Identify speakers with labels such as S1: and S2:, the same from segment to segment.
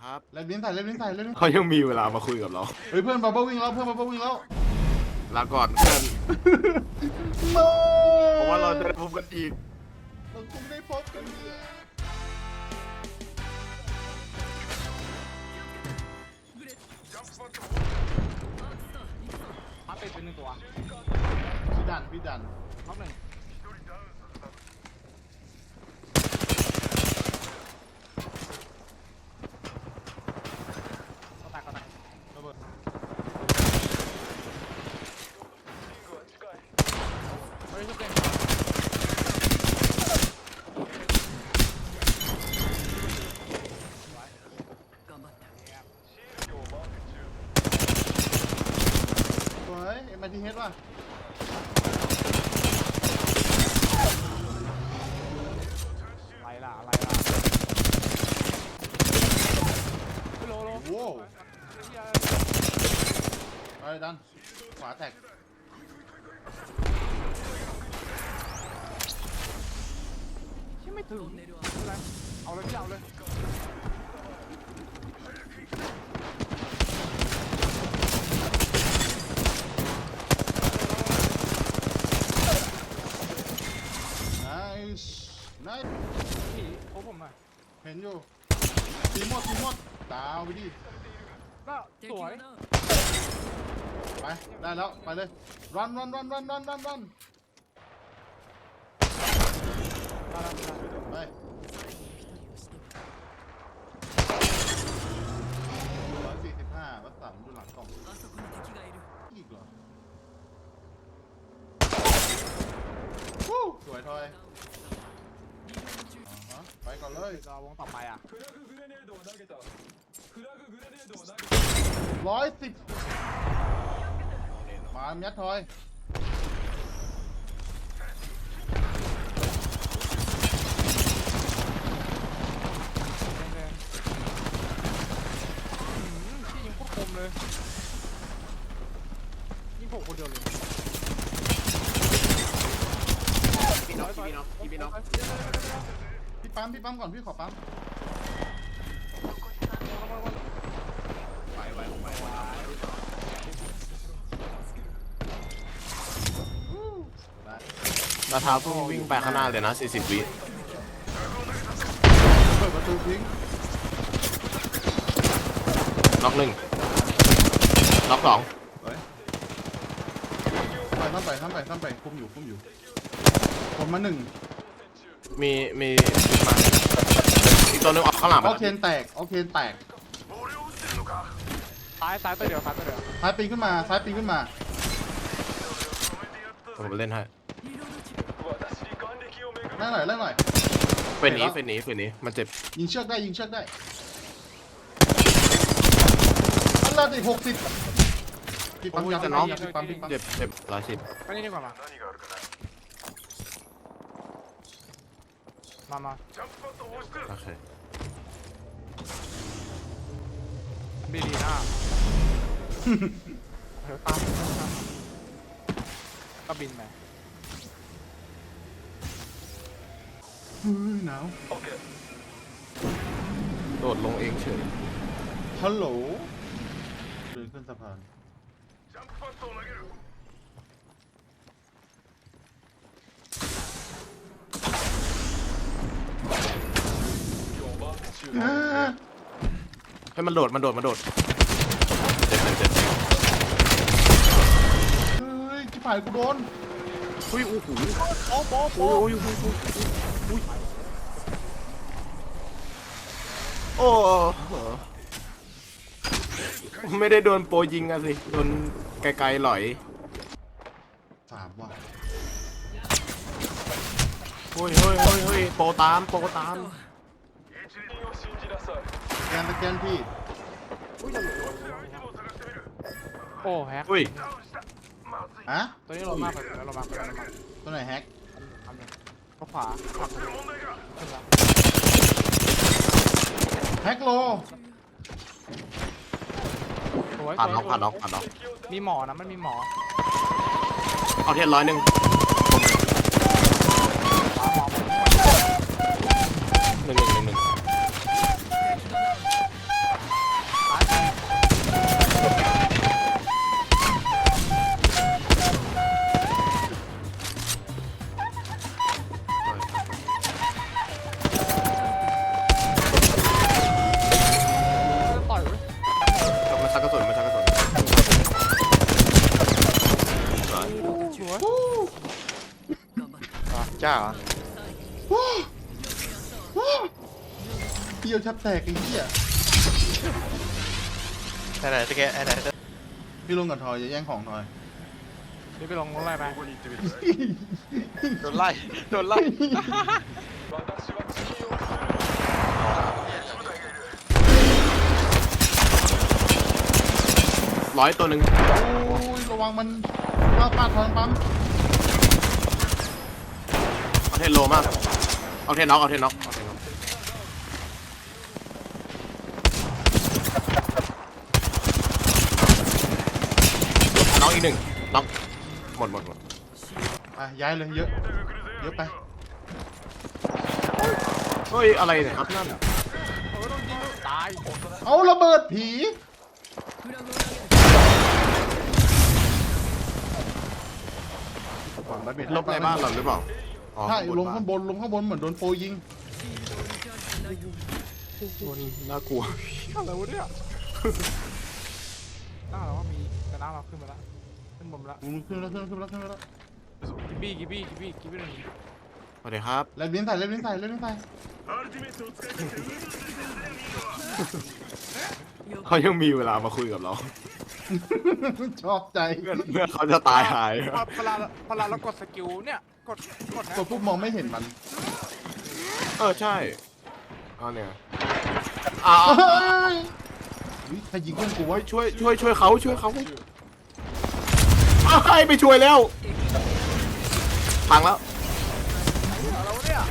S1: ครับ
S2: เล่นลิ้นใส่เล่นลิ้นใส่เล่นลิ้น
S1: เขายังมีเวลามาคุยกับเรา
S2: เฮ้ยเพื่อนบับเบิ้ลวิ่งแล้วเพื่อนบับเบิ้ลวิ่งแล้ว
S1: ลาก่อนเพื่อน
S2: โน้
S1: เพราะว่าเราจะได้พบกันอีก
S2: เราคงได้พบกันเลย
S3: มาเป็นหนึ่งตัว
S2: พี่ดัน
S3: ท็อปหนึ่งก็แตกระเบิดเฮ้ยชุบเก่ง
S2: สวยเอ็มไอทีเฮดว่ะ
S3: อะไรล่ะโล
S2: โว้วไปดันขวาแตก
S3: ที่ไม่ถึงอะไรเอาเลยพี่เอาเลย
S2: nice
S3: พี่โอ้ผมหน่อย
S2: เห็นอยู่ทีมหมดดาวไปดิ
S3: ก็สวย
S2: ไปได้แล้วไปเลยรันไป145วัดสามดูหลังกล่องอีกเหรอวู้สวยทอยไปก่อนเลย
S3: รอวงต่อไปอ่ะ
S2: 110มายัดทอย
S3: แดงพี่ยิงโคตรคมเลยยิงผมคนเดียวเลย
S1: พี่น้องพี่ปั๊ม
S2: พี่ปั๊มก่อนพี่ขอปั๊ม
S1: ไหวนาท้าพุ่งวิ่งไปข้างหน้าเลยนะ40 วิ
S2: เปิดประตูทิ้ง
S1: ล็อก1ล็อก2
S2: ไปซ้ำไปคุมอยู่ผมมา1
S1: มีมาอีกตัวนึงออกข้างหลังไป
S2: ออกเคนแตก
S3: ซ้ายตัวเดียว
S2: ซ้ายปีนขึ้นมา
S1: ผมไปเล่นให้
S2: แรงหน่อย
S1: เป็นหนีมันเจ็บ
S2: ยิงเชือกได้อันละดิ60พี่ปั๊มยัด
S1: จะน็อก
S2: พี่ปั๊ม
S1: เจ็บ110
S3: ไปนี่ดีกว่ามา
S1: โอเค
S3: ดีนะเดี๋ยวตามก็บินไป
S2: หนาว
S1: โดดลงเองเฉย
S2: ฮัลโหลเดินขึ้นสะพาน
S1: ให้มันโดดเจ็บ
S2: เฮ้ยจิ๋ผายกูโดน
S1: อุ้ยโอ้โห
S3: โอ้
S1: โอ้ไม่ได้โดนโปรยิงอะสิโดนไกลๆหลอย
S2: 3ว่ะ
S1: เฮ้ยโปรตาม
S2: สแกนพี่
S3: โอ้แฮก
S1: อุ้ย
S2: ฮะ
S3: ตัวนี้ลงมากไปแล้วลงมา
S2: ตัวไหนแฮก
S3: ทำหนึ่งก็ขวาขึ้นแล้ว
S2: แฮกโล
S3: สวย
S1: ผ่านน็อก
S3: มีหมอนะมันมีหมอ
S1: เอาเทียน100
S3: ขวาหมอ
S1: 1
S4: จ้าเหรอ
S2: เที่ยวชับแตกไอ้เหี้ย
S4: ไหนตะแกไหน
S2: พี่ลงกับทอยจะแย่งของทอย
S3: นี่ไปลงรถอะไรไป
S4: โดนไล่โดนไล่
S1: ร้อยตัวหนึ่ง
S2: โอ้ยระวังมันปาดทางปั๊ม
S1: เอาเทนโลมากเอาเทนน็อกเอาเทนน็อกเอาเทนน็อกน็อกอีกหนึ่งน็อกหมด
S2: อ่ะย้ายเลยเยอะเยอะไป
S1: เฮ้ยอะไรเนี่ยครับนั่น
S3: ต้องยิงตาย
S2: เอาระเบิดผีฝั่งระเบิด
S1: ลบในบ้านเราหรือเปล่าอ๋อ
S2: ใช่ลง
S1: บ้
S2: ข้างบนลงข้างบนเหมือนโดนโปรยิง
S1: น่ากลัว
S3: อะไรวะเนี่ยหน้าเราว่ามีแต่หน้าเราขึ้นมาแล้วขึ้นบนมาแล้ว
S2: ขึ้นแล้ว
S3: กิบบี้หนึ่ง
S1: สวัสดีครับ
S2: เล่นลิ้นใส่
S1: เขายังมีเวลามาคุยกับเรา
S2: ชอบใจ
S1: เมื่อเขาจะตายหาย
S3: เวลาเรากดสกิลเนี่ยกดนะ
S2: กดปุ๊บมองไม่เห็นมัน
S1: ใช่เอาเนี่ยอ้าว
S2: ใครยิงเพื่อนกูวะ
S1: ช่วยเขาอ้าวให้ไปช่วยแล้วพังแล้ว
S3: อะไรวะเนี่ย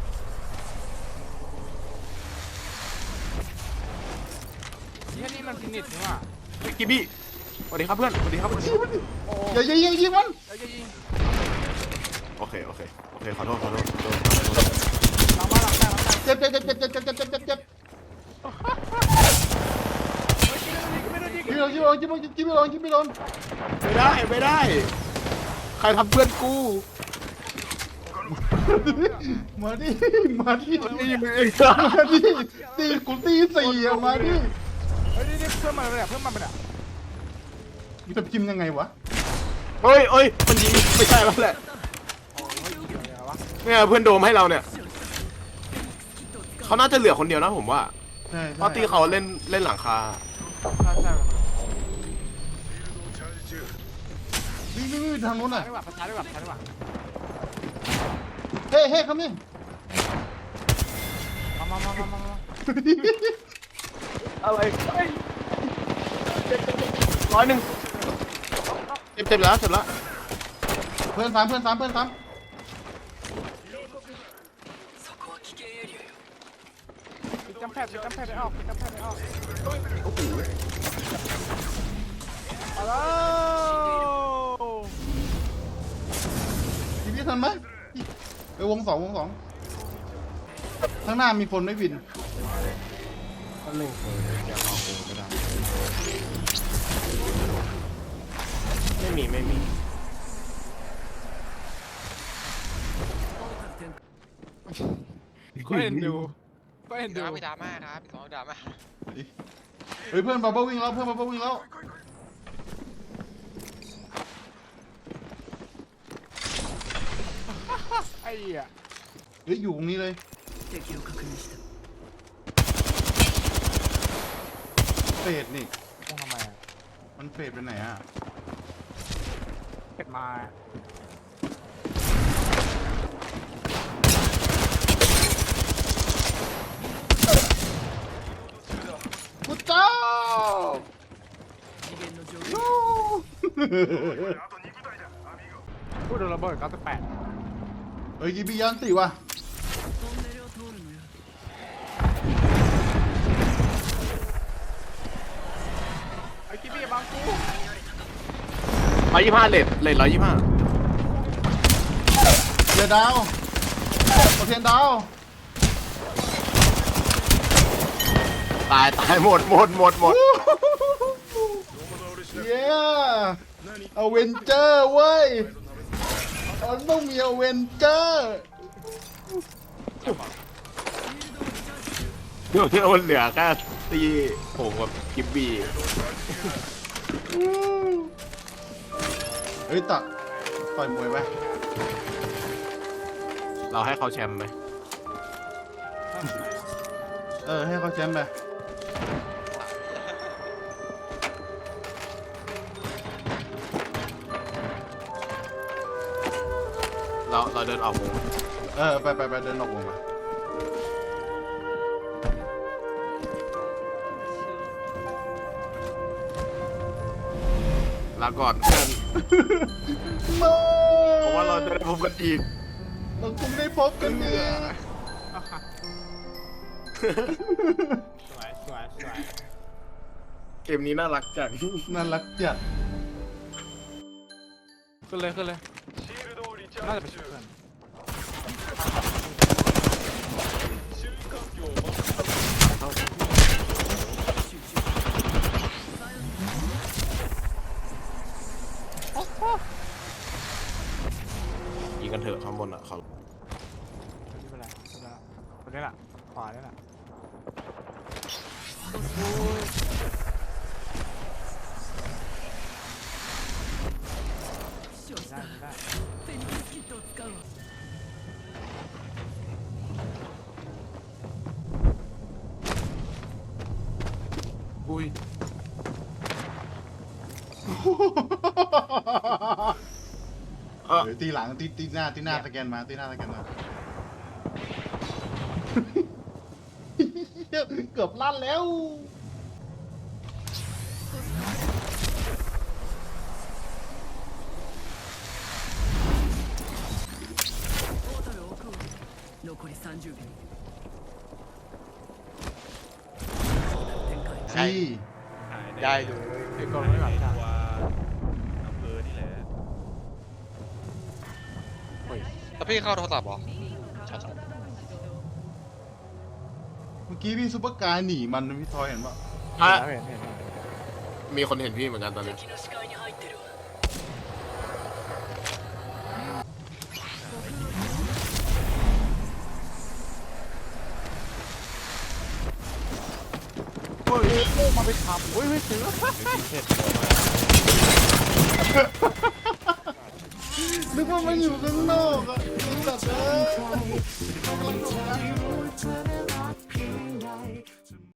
S3: แค่นี้มันฟินิชนี่ว่ะ
S1: กิบบี้สวัสดีครับเพื่อนสวัสดีครับ
S3: โอ้
S2: อย่ายิงมัน
S3: ยยิง
S1: โอเคขอโทษ
S3: หลังบ้านหลังแต่
S2: เจ็บ
S3: ไม่โดนยิง
S2: ยิงไม่โดน
S1: ไม่ได้ใครทำเพื่อนกู
S2: มาดิ
S1: นี่มึง
S2: ตีกูตีสี่อะมาดิ
S3: เฮ้ยนี่เพิ่มมาเลยเพิ่มมาเป็นอ่ะ
S2: มึงจะพิมพ์ยังไงวะ
S1: เฮ้ยมันยิงไม่ใช่แล้วแหละ
S3: โอ้ยอะไรวะ
S1: เนี่ยเพื่อนโดมให้เราเนี่ยเขาน่าจะเหลือคนเดียวนะผมว่า
S2: ใช่
S1: เพราะตีเขาเล่นหลังคา
S3: ใช่
S2: วิ่งทางนู้นอ่ะ
S3: ได้ป่ะประชาได้ป่ะ
S2: เฮ้คำนี่
S3: มา
S1: อะไรร้อยหนึ่งเจ็บแล้ว
S2: เพื่อนซ้ำ
S3: จำแพทย์ได้ออก
S1: โอ้โห
S3: เอาแล้ว
S2: ทีนี้ทันไหมวงสองข้างหน้ามีคนไม่บิน
S1: อันหนึ่งอยากออกไม่ได้ไม่มี
S3: ก็เห็นดู
S4: พี่ดราม่าครับพี่สองดราม่า
S2: เฮ้ยเพื่อนบับเบิ้ลวิ่งแล้ว
S3: ไอ้เหี้ย
S2: เฮ้ยอยู่ตรงนี้เลยเฟดนี่
S3: มองทำไมอ่ะ
S2: มันเฟดไปไหนอ่ะ
S3: เป็ดมา
S2: พุทธเจ้า
S3: พูดโดนระเบิด98
S2: เฮ้ยกีบียันติว่ะ
S3: ไอ้กิ๊บี้บังกู
S1: 125เลท125
S2: เดี๋ยวดาวโอเทียนดาว
S1: ตายหมด
S2: เย้อเวนเจอร์เว้ยมันต้องมีอเวนเจอร์
S1: เดี๋ยวมันเหลือแค่ตีผมกับกิบบี้
S2: เฮ้ยต่อยมวยไหม
S1: เราให้เขาแชมป์ไหม
S2: ให้เขาแชมป์ไป
S1: เราเดินออกวง
S2: ไปเดินออกวงมา
S1: ลาก่อนเพื่อน
S2: มา
S1: เพราะว่าเราจะได้พบกันอีก
S2: เราคงได้พบกันเนี่ย
S3: เอาค่ะสวยสวยสวย
S1: เกมนี้น่ารักจัง
S2: น่ารักจัด
S3: ขึ้นเลยขึ้นเลยน่าจะเป็นเพื่อน
S1: ยิงกันเถอะข้างบนอ่ะเขา
S3: ไม่เป็นไรไม่เป็นไรคนนี้แหละขวานี่แหละได้ได้
S1: อุ้ย
S2: เดี๋ยวตีหลังตีหน้าสแกนมาตีหน้าสแกนมา เกือบลั่นแล้ว
S5: 残り30秒
S2: สี่
S4: ได้ดู
S3: ไอ้กองไม่หวังจ้ะ
S4: แล้วพี่เข้าโทรศัพท์เหรอใช่
S2: เมื่อกี้พี่ซุปเปอร์การ์หนีมันพี่ทอยเห็นปะ
S1: อ่ะ
S3: เห็นเห็น
S1: มีคนเห็นพี่เหมือนกันตอนนี้
S5: 敵の視界に入ってるわ
S3: เฮ้ยโอ้มาไปขับเฮ้ยถึงแล้ว
S2: นึกว่ามันอยู่ข้างนอกอะไอ้สัตว์เอ้ยกำลังโดน